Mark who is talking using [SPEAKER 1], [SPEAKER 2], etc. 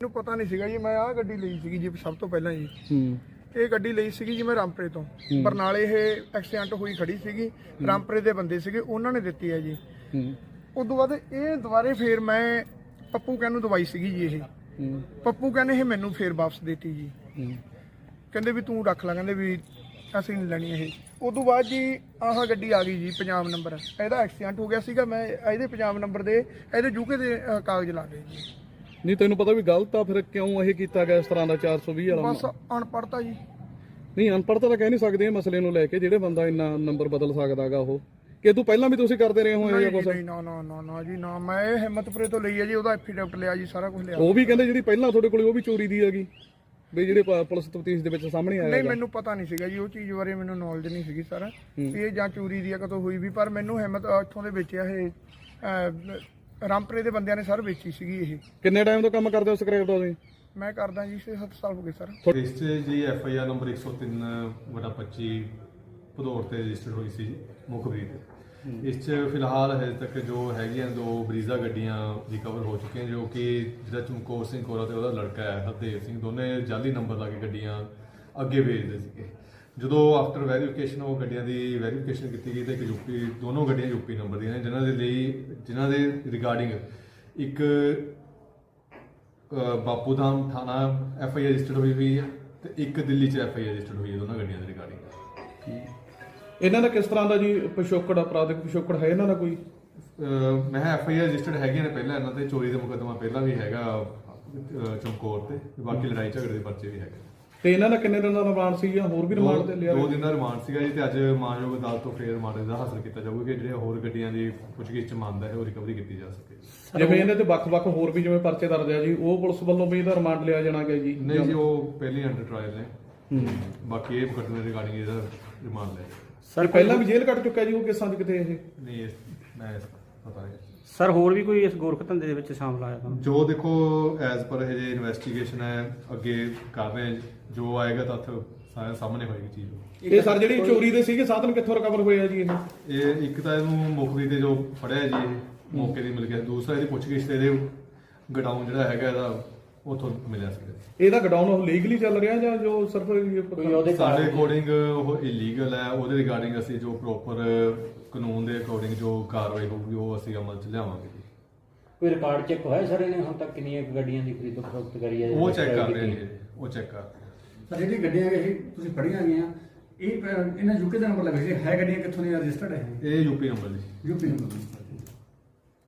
[SPEAKER 1] ਮੈਨੂੰ ਪਤਾ ਨਹੀਂ ਸੀਗਾ ਜੀ। ਮੈਂ ਆਹ ਗੱਡੀ ਲਈ ਸੀਗੀ ਜੀ ਸਭ ਤੋਂ ਪਹਿਲਾਂ ਜੀ। ਇਹ ਗੱਡੀ ਲਈ ਸੀਗੀ ਜੀ ਮੈਂ ਰਾਮਪੁਰੇ ਤੋਂ। ਬਰਨਾਲੇ ਇਹ ਐਕਸੀਡੈਂਟ ਹੋਈ ਖੜੀ ਸੀਗੀ। ਰਾਮਪੁਰੇ ਦੇ ਬੰਦੇ ਸੀਗੇ, ਉਹਨਾਂ ਨੇ ਦਿੱਤੀ ਹੈ ਜੀ। ਉਸ ਤੋਂ ਬਾਅਦ ਇਹ ਦੁਬਾਰੇ ਫੇਰ ਮੈਂ ਪੱਪੂ ਕਹਿਣ ਨੂੰ ਦਵਾਈ ਸੀਗੀ ਜੀ। ਇਹ ਪੱਪੂ ਕਹਿੰਦੇ ਇਹ ਮੈਨੂੰ ਫੇਰ ਵਾਪਸ ਦੇਤੀ ਜੀ। ਕਹਿੰਦੇ ਵੀ ਤੂੰ ਰੱਖ ਲੈ, ਕਹਿੰਦੇ ਵੀ ਅਸੀਂ ਨਹੀਂ ਲੈਣੀ ਇਹ। ਉਸ ਤੋਂ ਬਾਅਦ ਜੀ ਆਹ ਗੱਡੀ ਆ ਗਈ ਜੀ ਪੰਜਾਬ ਨੰਬਰ। ਇਹਦਾ ਐਕਸੀਡੈਂਟ ਹੋ ਗਿਆ ਸੀਗਾ। ਮੈਂ ਇਹਦੇ ਪੰਜਾਬ ਨੰਬਰ ਦੇ ਇਹਦੇ ਯੂਕੇ ਦੇ ਕਾਗਜ਼ ਲਾ ਗਏ ਜੀ।
[SPEAKER 2] ਨਹੀਂ ਤੈਨੂੰ ਪਤਾ ਵੀ ਗਲਤ ਆ, ਫਿਰ ਕਿਉਂ ਇਹ ਕੀਤਾ ਗਿਆ ਇਸ ਤਰ੍ਹਾਂ ਦਾ 420 ਵਾਲਾ?
[SPEAKER 1] ਬਸ ਅਨਪੜ੍ਹਤਾ ਜੀ।
[SPEAKER 2] ਨਹੀਂ ਅਨਪੜ੍ਹਤਾ ਤਾਂ ਕਹਿ ਨਹੀਂ ਸਕਦੇ ਇਹ ਮਸਲੇ ਨੂੰ ਲੈ ਕੇ। ਜਿਹੜੇ ਬੰਦਾ ਇੰਨਾ ਨੰਬਰ ਬਦਲ ਸਕਦਾਗਾ ਉਹ ਕਿ ਤੂੰ ਪਹਿਲਾਂ ਵੀ ਤੁਸੀਂ ਕਰਦੇ ਰਹੇ ਹੋ ਇਹ ਕੁਝ?
[SPEAKER 1] ਨਹੀਂ ਨਾ ਨਾ ਨਾ ਨਾ ਜੀ ਨਾ। ਮੈਂ ਇਹ ਹਿੰਮਤਪੁਰੇ ਤੋਂ ਲਈ ਹੈ ਜੀ। ਉਹਦਾ ਐਫੀਡੈਵਿਟ ਲਿਆ ਜੀ, ਸਾਰਾ ਕੁਝ ਲਿਆ।
[SPEAKER 2] ਉਹ ਵੀ ਕਹਿੰਦੇ ਜਿਹੜੀ ਪਹਿਲਾਂ ਤੁਹਾਡੇ ਕੋਲ ਉਹ ਵੀ ਚੋਰੀ ਦੀ ਹੈਗੀ ਵੀ ਜਿਹੜੇ ਪੁਲਿਸ ਤਫਤੀਸ਼ ਦੇ ਵਿੱਚ ਸਾਹਮਣੇ ਆਇਆ?
[SPEAKER 1] ਨਹੀਂ ਮੈਨੂੰ ਪਤਾ ਨਹੀਂ ਸੀਗਾ ਜੀ ਉਹ ਚੀਜ਼ ਬਾਰੇ, ਮੈਨੂੰ ਨੌਲੇਜ ਨਹੀਂ ਸੀਗੀ ਸਾਰਾ ਇਹ ਜਾਂ ਚੋਰੀ ਦੀ ਆ ਕਦੋਂ ਹੋਈ ਵੀ। ਪਰ ਮੈਨੂੰ ਹਿੰਮਤ ਇੱਥੋਂ ਦੇ ਵੇਚਿਆ ਇਹ ਰਾਮਪੁਰੇ ਦੇ ਬੰਦਿਆਂ ਨੇ ਸਰ ਵੇਚੀ ਸੀਗੀ ਇਹ।
[SPEAKER 2] ਕਿੰਨੇ ਟਾਈਮ ਤੋਂ ਕੰਮ ਕਰਦੇ ਹੋ ਸਕ੍ਰੈਪ ਦਾ ਤੁਸੀਂ?
[SPEAKER 1] ਮੈਂ ਕਰਦਾ ਜੀ 6-7 ਸਾਲ ਹੋ ਗਏ ਸਰ।
[SPEAKER 3] ਇਸ 'ਚ ਜੀ FIR ਨੰਬਰ 103/25 ਭਦੌੜ ਤੇ ਰਜਿਸਟਰਡ ਹੋਈ ਸੀ ਜੀ ਮੁਖਬਰੀ ਤੇ। ਇਸ 'ਚ ਫਿਲਹਾਲ ਹਜੇ ਤੱਕ ਜੋ ਹੈਗੀਆਂ 2 ਬਰੀਜ਼ਾ ਗੱਡੀਆਂ ਰਿਕਵਰ ਹੋ ਚੁੱਕੀਆਂ, ਜੋ ਕਿ ਜਿਹੜਾ ਚਮਕੌਰ ਸਿੰਘ ਕੋਰਾ ਤੇ ਉਹਦਾ ਲੜਕਾ ਹੈ ਹਰਦੇਵ ਸਿੰਘ, ਦੋਨੇ ਜਾਲੀ ਨੰਬਰ ਲਾ ਕੇ ਗੱਡੀਆਂ ਅੱਗੇ ਵੇਚਦੇ ਸੀਗੇ। ਜਦੋਂ ਆਫਟਰ ਵੈਰੀਫਿਕੇਸ਼ਨ ਉਹ ਗੱਡੀਆਂ ਦੀ ਵੈਰੀਫਿਕੇਸ਼ਨ ਕੀਤੀ ਗਈ ਤਾਂ ਇੱਕ ਦੋਨੋਂ ਗੱਡੀਆਂ ਯੂਪੀ ਨੰਬਰ ਦੀਆਂ ਨੇ, ਜਿਨ੍ਹਾਂ ਦੇ ਰਿਗਾਰਡਿੰਗ ਇੱਕ ਬਾਪੂ ਧਾਮ ਥਾਣਾ FIR ਰਜਿਸਟਰਡ ਹੋਈ ਹੈ ਤੇ ਇੱਕ ਦਿੱਲੀ 'ਚ FIR ਰਜਿਸਟਰਡ ਹੋਈ ਹੈ ਦੋਨਾਂ ਗੱਡੀਆਂ ਦੇ ਰਿਗਾਰਡਿੰਗ।
[SPEAKER 2] ਇਹਨਾਂ ਦਾ ਕਿਸ ਤਰ੍ਹਾਂ ਦਾ ਜੀ ਪਿਛੋਕੜ, ਅਪਰਾਧਿਕ ਪਿਛੋਕੜ ਹੈ ਇਹਨਾਂ ਦਾ ਕੋਈ?
[SPEAKER 3] ਮੈਂ FIR ਰਜਿਸਟਰਡ ਹੈਗੀਆਂ ਨੇ ਪਹਿਲਾਂ ਇਹਨਾਂ ਤੇ। ਚੋਰੀ ਦਾ ਮੁਕੱਦਮਾ ਪਹਿਲਾਂ ਵੀ ਹੈਗਾ ਚਮਕੌਰ ਤੇ, ਬਾਕੀ ਲੜਾਈ ਝਗੜੇ ਦੇ ਪਰਚੇ ਵੀ ਹੈਗੇ।
[SPEAKER 2] ਤੇ ਇਹਨਾਂ ਦਾ ਕਿੰਨੇ ਦਿਨ ਦਾ ਰਿਮਾਂਡ ਸੀ ਜਾਂ ਹੋਰ ਵੀ ਰਿਮਾਂਡ ਤੇ ਲਿਆ?
[SPEAKER 3] 2 ਦਿਨ ਦਾ ਰਿਮਾਂਡ ਸੀਗਾ ਜੀ। ਤੇ ਅੱਜ ਮਾਨਯੋਗ ਅਦਾਲਤ ਤੋਂ ਫੇਰ ਰਿਮਾਂਡ ਦਾ ਹਾਸਲ ਕੀਤਾ ਜਾਊਗਾ ਕਿ ਜਿਹੜੇ ਹੋਰ ਗੱਡੀਆਂ ਦੀ ਪੁੱਛਗਿੱਛ 'ਚ ਮੰਨਦਾ ਹੈ ਉਹ ਰਿਕਵਰੀ ਕੀਤੀ ਜਾ ਸਕੇ।
[SPEAKER 2] ਜਿਵੇਂ ਇਹਨਾਂ ਤੇ ਵੱਖ-ਵੱਖ ਹੋਰ ਵੀ ਜਿਵੇਂ ਪਰਚੇ ਦਰਜ ਆ ਜੀ, ਉਹ ਪੁਲਿਸ ਵੱਲੋਂ ਵੀ ਇਹਦਾ ਰਿਮਾਂਡ ਲਿਆ ਜਾਣਾ ਗਿਆ ਜੀ?
[SPEAKER 3] ਨਹੀਂ ਜੀ, ਉਹ ਪਹਿਲੀ ਅੰਡਰ ਟ੍ਰਾਇਲ ਨੇ। ਬਾਕੀ ਇਹ ਮੁਕੱਦਮੇ ਰਿਗਾਰਡਿੰਗ ਇਹਦਾ ਰਿਮਾਂਡ ਲਿਆ
[SPEAKER 2] ਸਰ ਪਹਿਲਾਂ ਵੀ ਜੇਲ੍ਹ ਕੱਟ ਚੁੱਕਾ ਜੀ ਉਹ ਕਿਸਾਂ ਚ ਕਿਤੇ? ਇਹ
[SPEAKER 3] ਨਹੀਂ ਮੈਂ ਪਤਾ ਨਹੀਂ
[SPEAKER 4] ਸਰ। ਹੋਰ ਵੀ ਕੋਈ ਇਸ ਗੋਰਖ ਧੰਦੇ ਦੇ ਵਿੱਚ ਸ਼ਾਮਲ ਆਇਆ ਤਾਂ?
[SPEAKER 3] ਜੋ ਦੇਖੋ ਐਜ਼ ਪਰ ਇਹ ਜੇ ਇਨਵੈਸਟੀਗੇਸ਼ਨ ਹੈ ਅੱਗੇ ਕਰ ਰਹੇ ਹਾਂ, ਜੋ ਆਏਗਾ ਤੱਥ ਸਾਰੇ ਸਾਹਮਣੇ ਹੋਏਗੀ ਚੀਜ਼।
[SPEAKER 2] ਇਹ ਸਰ ਜਿਹੜੀ ਚੋਰੀ ਦੇ ਸੀਗੇ ਸਾਧਨ ਕਿੱਥੋਂ ਰਿਕਵਰ ਹੋਏ ਆ ਜੀ
[SPEAKER 3] ਇਹ ਇੱਕ ਤਾਂ ਇਹਨੂੰ ਮੁਖਬਰੀ ਤੇ ਜੋ ਫੜਿਆ ਜੀ ਇਹ ਮੌਕੇ ਦੀ ਮਿਲ ਗਿਆ। ਦੂਸਰਾ ਇਹਦੀ ਪੁੱਛਗਿੱਛ ਤੇ ਇਹਦੇ ਗਡਾਊਨ ਜਿਹੜਾ ਹੈਗਾ ਇਹਦਾ ਉੱਥੋਂ ਮਿਲਿਆ ਸੀਗਾ।
[SPEAKER 2] ਇਹਦਾ ਗਡਾਊਨ ਉਹ ਲੀਗਲੀ ਚੱਲ ਰਿਹਾ ਜਾਂ ਜੋ ਸਿਰਫ
[SPEAKER 3] ਸਾਡੇ ਅਕੋਰਡਿੰਗ ਉਹ ਇਲੀਗਲ ਹੈ? ਉਹਦੇ ਰਿਗਾਰਡਿੰਗ ਅਸੀਂ ਜੋ ਪ੍ਰੋਪਰ ਕਾਨੂੰਨ ਦੇ ਅਕੋਰਡਿੰਗ ਜੋ ਕਾਰਵਾਈ ਹੋਊਗੀ ਉਹ ਅਸੀਂ ਅਮਲ 'ਚ ਲਿਆਵਾਂਗੇ ਜੀ।
[SPEAKER 4] ਕੋਈ ਰਿਕਾਰਡ ਚੈੱਕ ਹੋਇਆ ਸਰ ਇਹਨੇ ਹੁਣ ਤੱਕ ਕਿੰਨੀਆਂ ਗੱਡੀਆਂ ਦੀ ਖਰੀਦੋ ਫਰੋਖਤ ਕਰੀ ਹੈ?
[SPEAKER 3] ਉਹ ਚੈੱਕ ਕਰ ਰਹੇ ਨੇ, ਉਹ ਚੈੱਕ ਕਰ ਰਹੇ ਨੇ।
[SPEAKER 5] ਸਰ ਜਿਹੜੀ ਗੱਡੀਆਂ ਇਹ ਤੁਸੀਂ ਫੜੀਆਂ ਗਈਆਂ ਇਹ ਇਹਨਾਂ ਯੂਕੇ ਦਾ ਨੰਬਰ ਲੱਗਾ ਸੀ, ਹੈ ਗੱਡੀਆਂ ਕਿੱਥੋਂ ਦੀਆਂ ਰਜਿਸਟਰਡ ਹੈ?
[SPEAKER 3] ਇਹ ਯੂਪੀ ਨੰਬਰ ਜੀ।
[SPEAKER 5] UP number